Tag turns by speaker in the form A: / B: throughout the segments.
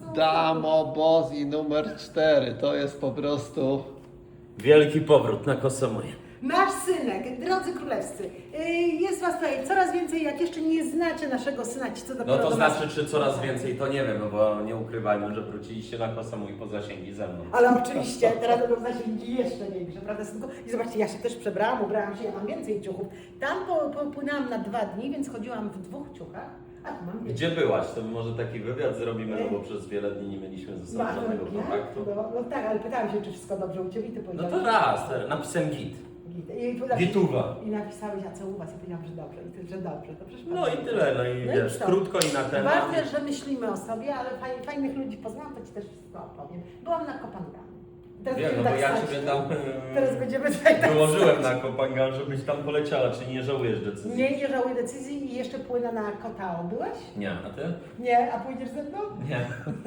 A: Damo Bozi numer 4. To jest po prostu...
B: Wielki powrót na Kosomoje.
C: Nasz synek, drodzy królewscy, jest was tutaj coraz więcej, jak jeszcze nie znacie naszego syna, ci co dopiero
B: No to
C: do nas-
B: znaczy, czy coraz więcej, to nie wiem, no bo nie ukrywajmy, że wróciliście na Kosomo i po zasięgi ze mną.
C: Ale oczywiście, teraz będą zasięgi jeszcze większe, prawda synku? I zobaczcie, ja się też przebrałam, ubrałam się, ja mam więcej ciuchów. Tam popłynęłam na 2 dni, więc chodziłam w 2 ciuchach, a tu mam więcej.
B: Gdzie byłaś? To może taki wywiad zrobimy, no bo przez wiele dni nie mieliśmy ze sobą żadnego kontaktu.
C: No tak, ale pytałam się, czy wszystko dobrze u Ciebie, Ty
B: No
C: powiedziałeś.
B: to raz, napisałem git. Gituwa.
C: I napisałeś, a co u was? Ja powiedziałam, że dobrze. I ty, że dobrze. To przecież
B: No i tyle, no i
C: No i
B: wiesz,
C: co?
B: krótko i na temat.
C: Ważne, że myślimy o sobie, ale fajnych ludzi poznałam, to Ci też wszystko opowiem. Byłam na Kopangami. Teraz
B: Wiem, no
C: będziemy
B: bo ja
C: stać
B: Ciebie
C: tu.
B: tam
C: Teraz będziemy tutaj tak
B: wyłożyłem
C: stać.
B: na Kopangan, żebyś tam poleciała, czy nie żałujesz decyzji?
C: Nie żałuję decyzji i jeszcze płynę na Kotao. Byłeś?
B: Nie, a ty?
C: Nie, a pójdziesz ze mną?
B: Nie.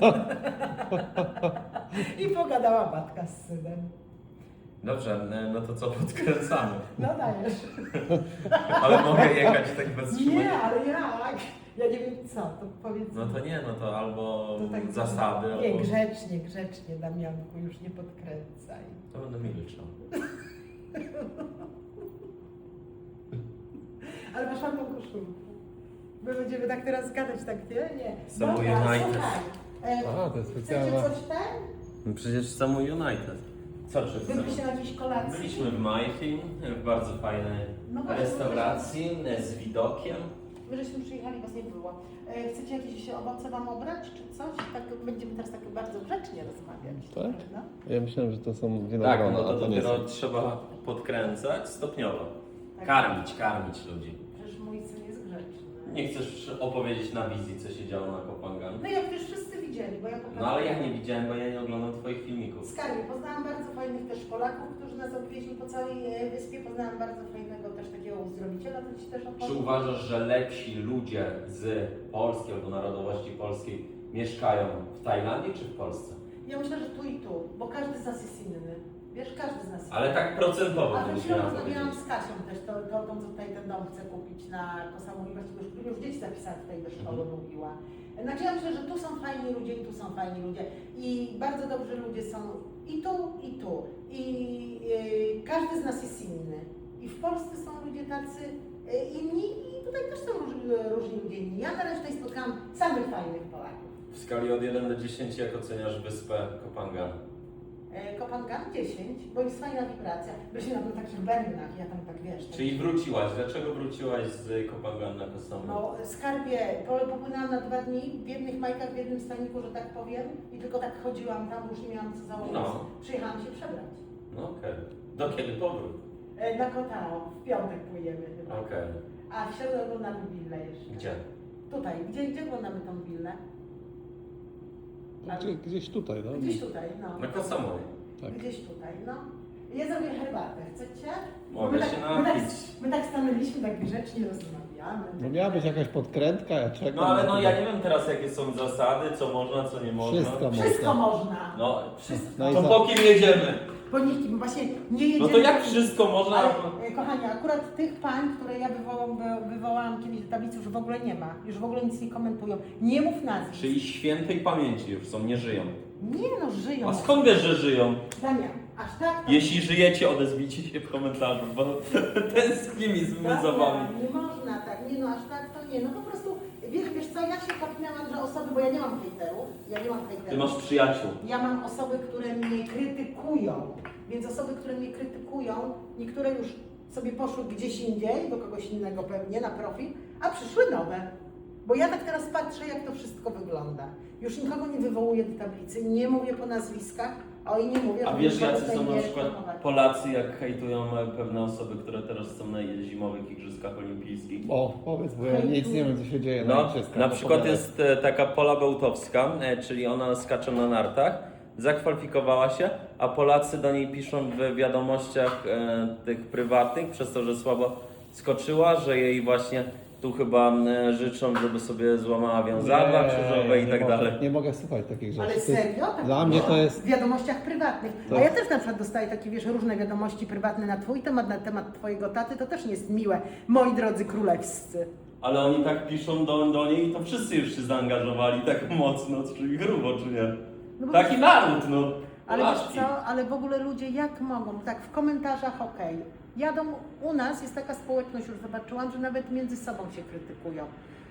C: I pogadała matka z synem.
B: Dobrze, no to co, podkręcamy.
C: No dajesz.
B: Ale mogę jechać tak bez
C: Nie,
B: trzymania.
C: ale jak? Ja nie wiem co, to powiedz.
B: No to nie, no to albo
C: To tak-
B: zasady,
C: Nie,
B: albo...
C: grzecznie, Damianku, już nie podkręcaj.
B: To będę milczał.
C: Ale masz ładną koszulkę. My będziemy tak teraz gadać, tak nie? Nie.
B: Samo
C: Dobra,
B: United.
C: słuchaj.
A: A, to jest specjalna...
C: Chcecie coś ten?
B: No przecież samo United. Co czy
C: Byliście na jakiejś kolacji?
B: Byliśmy w Majfin, w bardzo fajnej
C: No właśnie,
B: restauracji z widokiem.
C: My żeśmy przyjechali, was nie było. Chcecie jakieś owoce wam obrać, czy coś? Tak będziemy teraz tak bardzo grzecznie rozmawiać.
A: Tak?
C: prawda?
A: Ja myślałem, że to są
B: Tak,
A: winogrona,
B: no to
A: a to nie
B: dopiero
A: są.
B: trzeba podkręcać stopniowo.
C: Tak.
B: Karmić ludzi.
C: Przecież mój syn jest grzeczny.
B: Nie chcesz opowiedzieć na wizji, co się działo na Kopangan?
C: No jak już wszyscy widzieli, bo ja
B: No ale ja nie widziałem, bo ja nie oglądam twoich filmików.
C: Skarbie, poznałam bardzo fajnych też Polaków, którzy nas odwieźli po całej wyspie. Poznałam bardzo fajnego też takiego uzdrowiciela, to Ci też opowiem.
B: Czy uważasz, że lepsi ludzie z Polski albo narodowości polskiej mieszkają w Tajlandii czy w Polsce?
C: Ja myślę, że tu i tu, bo każdy z nas jest inny. Wiesz, każdy z nas jest
B: Ale tak procentowo
C: A
B: bym
C: przed
B: się
C: chwilą rozmawiałam
B: powiedzieć.
C: z Kasią też, tą co tutaj ten dom chce kupić na Kosovo i właściwie już dzieci zapisałam tutaj do szkoły, mówiła. Znaczy ja myślę, że tu są fajni ludzie i tu są fajni ludzie i bardzo dobrzy ludzie są i tu, i tu. I każdy z nas jest inny. I w Polsce są ludzie tacy inni i tutaj też są różni ludzie inni. Ja teraz tutaj spotkałam samych fajnych Polaków.
B: W skali od 1 do 10 jak oceniasz wyspę Kopangan?
C: Kopangan 10, bo jest fajna wibracja. Byliśmy na takich bębnach, ja tam tak wiesz. tak-
B: Czyli wróciłaś. Dlaczego wróciłaś z Kopangan na Kosovo?
C: No, skarbie, popłynęłam na 2 dni w jednych majkach, w jednym staniku, że tak powiem, i tylko tak chodziłam tam, już nie miałam co założyć.
B: No.
C: Przyjechałam się przebrać.
B: No okej. Do kiedy powrót?
C: Na Kotao, w piątek płyniemy chyba.
B: Okej.
C: A w środę oglądamy willę jeszcze.
B: Gdzie?
C: Tutaj, gdzie oglądamy tą willę?
A: Gdzieś tutaj, no.
C: Gdzieś tutaj, no.
B: Na Kosovo.
A: Tak.
C: Gdzieś tutaj, no. Ja zrobię herbatę, chcecie?
B: Mogę
C: My
B: się
C: my
B: napić.
C: my tak stanęliśmy, tak grzecznie rozmawiamy.
A: No miała być jakaś podkrętka, ja czekam.
B: No ale
A: na
B: no
A: to.
B: ja nie wiem teraz jakie są zasady, co można, co nie można.
C: Wszystko można.
B: No,
A: No i
B: to
A: za-
B: po kim jedziemy?
C: Bo nikim właśnie nie jedziemy.
B: No to jak wszystko można?
C: Ale, kochani, akurat tych pań, które ja wywołałam kiedyś do tablicy, już w ogóle nie ma. Już w ogóle nic nie komentują. Nie mów nazwisk.
B: Czyli świętej pamięci już są, nie żyją.
C: Nie no, żyją.
B: A skąd wiesz, że żyją?
C: Damian, aż tak...
B: Jeśli żyjecie, odezwijcie się w komentarzu, bo tęsknimy za wami.
C: Nie można tak, nie no, aż tak to nie. No po prostu, wiesz co, ja się kapnęłam, że osoby, bo ja nie mam hejterów,
B: Ty masz przyjaciół.
C: Ja mam osoby, które mnie krytykują, więc osoby, które mnie krytykują, niektóre już sobie poszły gdzieś indziej, do kogoś innego pewnie, na profil, a przyszły nowe. Bo ja tak teraz patrzę, jak to wszystko wygląda. Już nikogo nie wywołuję do tablicy, nie mówię po nazwiskach, i nie mówię,
B: A
C: że
B: wiesz,
C: nikogo
B: jacy
C: tutaj
B: są na
C: nie
B: przykład
C: reklamować.
B: Polacy, jak hejtują pewne osoby, które teraz są na zimowych igrzyskach olimpijskich?
A: O, powiedz, bo ja nic nie wiem, co się dzieje
B: No,
A: igrzyskach.
B: na
A: To
B: przykład
A: pogadaj.
B: jest taka Pola Bełtowska, czyli ona skacze na nartach, zakwalifikowała się, a Polacy do niej piszą w wiadomościach tych prywatnych, przez to, że słabo skoczyła, że jej właśnie tu chyba życzą, żeby sobie złamała wiązadła krzyżowe i
A: nie
B: tak
A: mogę-
B: dalej.
A: Nie mogę słuchać takich rzeczy.
C: Ale
A: To jest-
C: serio? Tak
A: Dla mnie to jest...
C: W wiadomościach prywatnych.
A: To-
C: A ja też na przykład dostaję takie, wiesz, różne wiadomości prywatne na twój temat, na temat twojego taty, to też nie jest miłe, moi drodzy królewscy.
B: Ale oni tak piszą do niej i to wszyscy już się zaangażowali tak mocno, czyli grubo, czy nie?
C: No bo
B: Taki naród, no.
C: Ale wiesz
B: Polaczki.
C: co, ale w ogóle ludzie jak mogą, tak w komentarzach okej. Jadą, u nas jest taka społeczność, już zobaczyłam, że nawet między sobą się krytykują.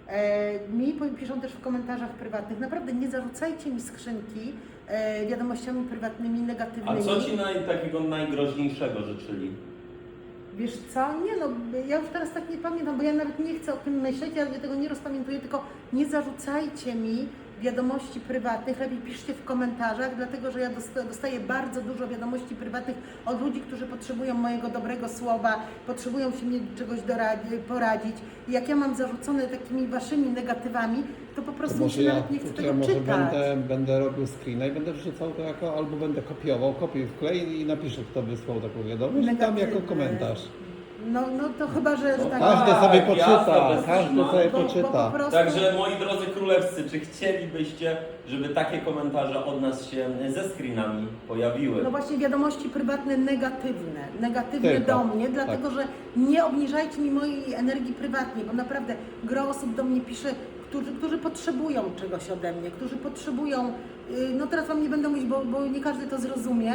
C: Mi piszą też w komentarzach prywatnych, naprawdę nie zarzucajcie mi skrzynki wiadomościami prywatnymi,
B: A
C: negatywnymi.
B: co ci takiego najgroźniejszego życzyli?
C: Wiesz co, nie no, ja już teraz tak nie pamiętam, bo ja nawet nie chcę o tym myśleć, ja tego nie rozpamiętuję, tylko nie zarzucajcie mi wiadomości prywatnych, lepiej piszcie w komentarzach, dlatego że ja dostaję bardzo dużo wiadomości prywatnych od ludzi, którzy potrzebują mojego dobrego słowa, potrzebują się mnie czegoś poradzić. I jak ja mam zarzucone takimi waszymi negatywami, to po prostu mi się nawet nie chce tego
A: może
C: czytać.
A: będę robił screena i będę wrzucał to jako, albo będę kopiował, kopiuj wklej i napiszę, kto wysłał taką wiadomość, i tam jako
C: Negatywne.
A: komentarz.
C: No to chyba, że tak.
A: Każdy sobie
B: jasne,
A: poczyta,
B: bez
A: każdy
B: trzyma.
A: sobie
C: Bo po
A: poczyta.
C: prostu-
B: Także moi drodzy królewscy, czy chcielibyście, żeby takie komentarze od nas się ze screenami pojawiły?
C: No właśnie wiadomości prywatne negatywne
A: Tylko,
C: do mnie, dlatego że nie obniżajcie mi mojej energii prywatnej, bo naprawdę gro osób do mnie pisze, którzy potrzebują czegoś ode mnie, którzy potrzebują, no teraz wam nie będę mówić, bo nie każdy to zrozumie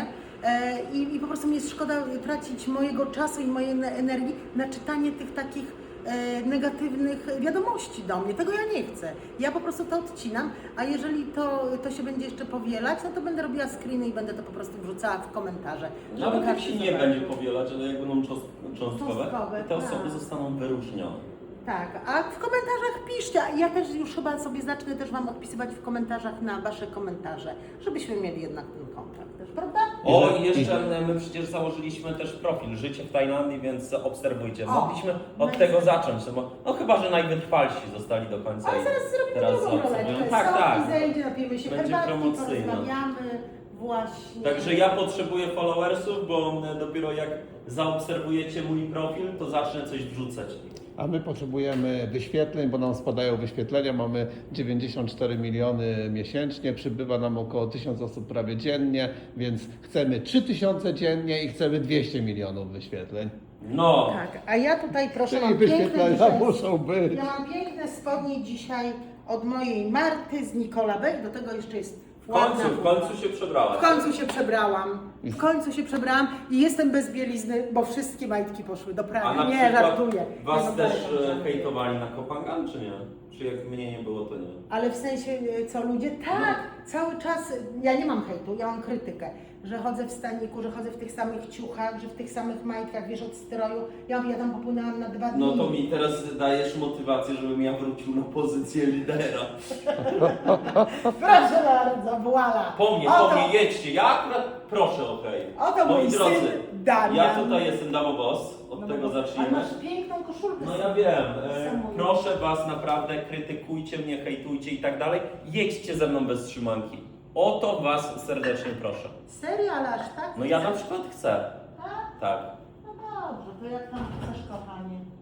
C: i po prostu mi jest szkoda tracić mojego czasu i mojej energii na czytanie tych takich negatywnych wiadomości do mnie. Tego ja nie chcę. Ja po prostu to odcinam, a jeżeli to się będzie jeszcze powielać, no to będę robiła screeny i będę to po prostu wrzucała w komentarze. żeby
B: Nawet jak
C: każdy
B: się nie
C: zobaczył.
B: będzie powielać, ale jak będą cząstkowe,
C: Cząstkowe,
B: te osoby
C: tak.
B: zostaną wyróżnione.
C: Tak, a w komentarzach piszcie. Ja też już chyba sobie zacznę też Wam odpisywać w komentarzach na Wasze komentarze, żebyśmy mieli jednak ten kontakt też, prawda?
B: O, i jeszcze my przecież założyliśmy też profil Życie w Tajlandii, więc obserwujcie.
C: O,
B: Mogliśmy od
C: nice.
B: tego zacząć, no chyba, że najwytrwalsi zostali do końca.
C: Ale
B: i
C: zaraz zrobimy
B: teraz
C: drugą
B: obserwują.
C: roleczkę.
B: Tak,
C: Soki
B: tak.
C: zejdzie, napijemy się
B: Będzie
C: herbatki,
B: promocyjna.
C: porozmawiamy właśnie.
B: Także ja potrzebuję followersów, bo dopiero jak zaobserwujecie mój profil, to zacznę coś wrzucać.
A: A my potrzebujemy wyświetleń, bo nam spadają wyświetlenia, mamy 94 miliony miesięcznie, przybywa nam około 1000 osób prawie dziennie, więc chcemy 3000 dziennie i chcemy 200 milionów wyświetleń.
B: No,
C: Tak, a ja tutaj proszę,
A: Czyli
C: mam piękne
A: wyświetlenia
C: dzisiaj,
A: muszą być.
C: ja mam piękne spodnie dzisiaj od mojej Marty z Nicola Beck, do tego jeszcze jest
B: w
C: ładna.
B: końcu się przebrałaś.
C: W końcu się przebrałam. W końcu się przebrałam i jestem bez bielizny, bo wszystkie majtki poszły do
B: A
C: prania.
B: na
C: Nie,
B: przykład
C: żartuję.
B: was
C: Nie, no,
B: też
C: żartuję.
B: hejtowali na Kopangan, czy nie? Czy jak mnie nie było, to nie?
C: Ale w sensie, co ludzie? Tak, cały czas, ja nie mam hejtu, ja mam krytykę, że chodzę w staniku, że chodzę w tych samych ciuchach, że w tych samych majtkach, wiesz, od stroju. Ja mówię, ja tam popłynęłam na 2 dni.
B: No to mi teraz dajesz motywację, żebym ja wrócił na pozycję lidera.
C: Proszę bardzo, voila.
B: Po mnie, jedźcie. Ja akurat proszę o hej.
C: Oto
B: Moi
C: mój
B: drodzy,
C: syn Damian.
B: ja tutaj jestem Damo Boss, od
C: No
B: tego
C: bo-
B: zacznijmy.
C: Ale masz piękną koszulkę.
B: No ja wiem,
C: Samą.
B: proszę was naprawdę, krytykujcie mnie, hejtujcie i tak dalej. Jedźcie ze mną bez trzymanki. O to was serdecznie proszę.
C: Serio, ale aż tak?
B: No ja na przykład chcę.
C: Tak?
B: Tak.
C: No dobrze, to jak tam chcesz, kochanie?